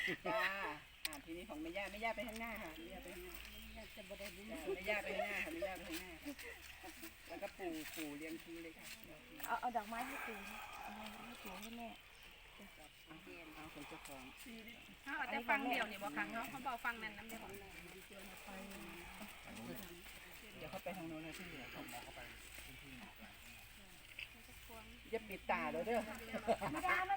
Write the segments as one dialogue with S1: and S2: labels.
S1: จ้าทีนี้ของแม่ย่าไปข้างหน้าค่ะแม่ย่าไปข้างหน้าแม่ย่าไปข้างหน้าค่ะแม่ย่าไปข้างหน้าค่ะแล้วก็ปู่เรียงคิวเลยค่ะ
S2: เอาดอกไม้ให้ปู่เอาให้ปู่ให้แม่
S1: เอาของเจ้าของ
S3: เขาอาจจะฟังเดียวนี่บ่ครั้งเขาบอกฟังนั่นน้ำเดียว
S1: เดี๋ยวเขาไปทางโน้นนะที่เหลือของหมอเขาไปอย่าปิดตาเลยเด้อ
S2: ไม่ได้มา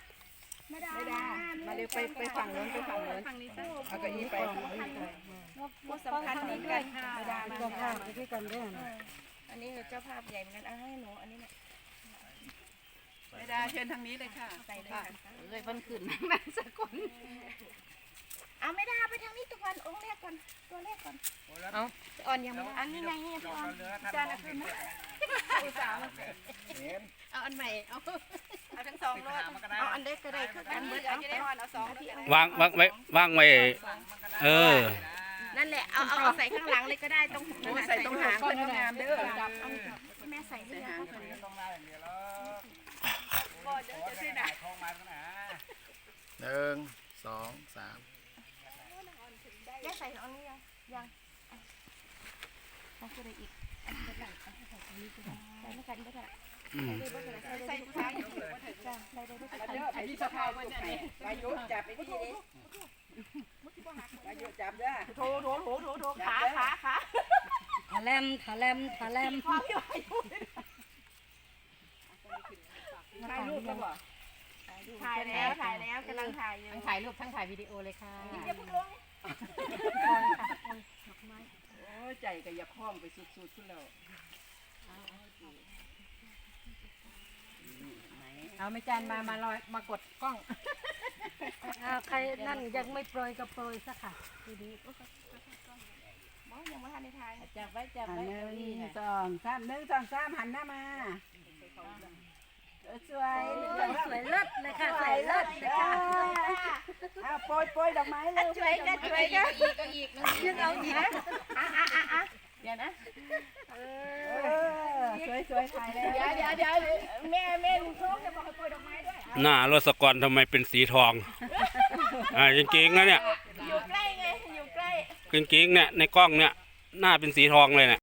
S1: มาเร็วไปฝั่งโน้น
S3: ฝั่งนี้ซะ
S1: เอากระอี้ไป
S2: หมดสำคัญนี้กัน
S1: ไม่ได้
S2: เจ้าภาพที่กันด้วยอันนี้เจ้าภาพใหญ่เหมือนกันเอาให้หนูอันนี้เนี่ย
S1: ไม่ได้เชิญทางนี้เลยค่ะ
S2: ใส่เลย
S3: เลยเพิ่นขึ้นนั่นสักคน
S2: เอาไม่ได้ไปทางนี้ทุกวันองค์แรกก่อนตัวแรกก่อน
S3: เอาอ่อนยัง
S2: อันนี้ไงเนี่ยพี่ออนจานละคืนนะอุตส่าห์มา
S3: เอาอันใหม่เอา
S2: ทั้งสองรถเอาอันเล็กก็ได้คือกันเบิดเอาพี่ออนเอาสอง
S4: วางไว้
S2: นั่นแหละเอาใส่ข้างหลังเลยก็ได้ตรง
S1: ใส่ตรงหางก็งามเด้อ
S2: แม่ใส่ให้ยัง
S4: 1 2 3
S2: แม่ใส่อันนี้ยังเอาคืออะไรอีกใส่ไม่กันไม่ได้ใส่ทุกครั้งอยู่จ้ะใส่ได้ทุกครั้ง
S1: อันนี้สะพายไว้เนี่ยวายุจับไปที่นี่วายุจับเด้อ
S2: โถขา
S3: ทะแลม
S2: พอพี่วายุ
S1: ถ่ายรูปแล้วบ่
S2: ถ่ายแล้วกำลังถ่ายอยู่
S3: ทั้งถ่ายรูปทั้งถ่ายวิดีโอเลยค่ะ
S2: อย่าเพิ่งลง
S1: โอ้ใจก็อย่าคล้องไปสุดๆขึ้นแล้ว
S3: เอาไม่จานมาลอยมากดกล้อง
S2: ใครนั่นยังไม่โปรยก็โปรยซะค่ะดีมองยังไม่ทันในไทย
S3: จับไว้1 2 3
S1: หันหน้ามาสวย
S2: เลิศเลยค่ะสวยเลิศเลยค่ะ
S1: โปรยดอกไม้เลย
S2: ช่วยกันอีกนึงเอาอีกเดี๋ยวนะ
S1: สวยถ่ายแล้ว
S2: เดี๋ยวแม่ลุงโชคจะบอกให้โปรยดอกไม้ด้วย
S4: หน้ารสกรทำไมเป็นสีทองจริงๆนะเนี่ย
S2: อยู่ใกล้ไงอยู่ใกล้
S4: จริงๆเนี่ยในกล้องเนี่ยหน้าเป็นสีทองเลยเนี่ย